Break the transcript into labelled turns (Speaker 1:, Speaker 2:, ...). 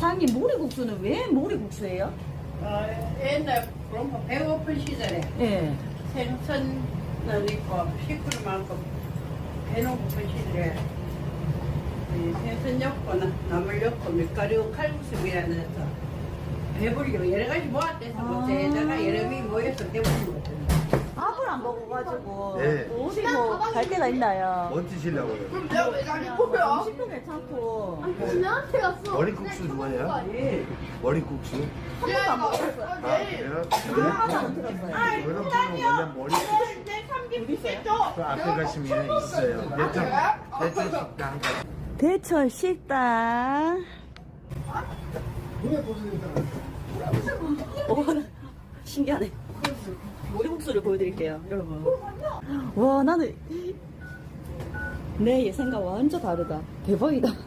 Speaker 1: 사장님 모리국수는 왜 모리국수예요?
Speaker 2: 옛날 그런 배고픈 시절에
Speaker 1: 예.
Speaker 2: 생선은 있고 식구를 많고 배는 고픈 시절에 이 생선 엮고 나물 엮고 밀가루 칼국수미라는 데서 배불리고 여러 가지 모았대서 뭐에다가 여러 명이 모여서 배부른 거거든요.
Speaker 1: 밥을 안 먹어가지고
Speaker 3: 네.
Speaker 1: 어디 뭐 갈 데가 있나요?
Speaker 3: 뭐 드시려고요?
Speaker 4: 그럼 내가 왜 자기 뽑혀?
Speaker 1: 음식도 괜찮고
Speaker 4: 지나한테 갔어.
Speaker 3: 머리국수 좋아해요? 머리국수?
Speaker 1: 한 번도 안 먹었어요.
Speaker 3: 아, 그래요?
Speaker 1: 하나는 들었어요.
Speaker 3: 여러분은 원래 머리국수
Speaker 1: 어디 있어요?
Speaker 3: 그 앞에 가시면 있어요. 대천 식당.
Speaker 1: 대철 식당. 오, 신기하네. 모리국수를 보여드릴게요, 여러분. 와, 나는 내 예상과 완전 다르다. 대박이다.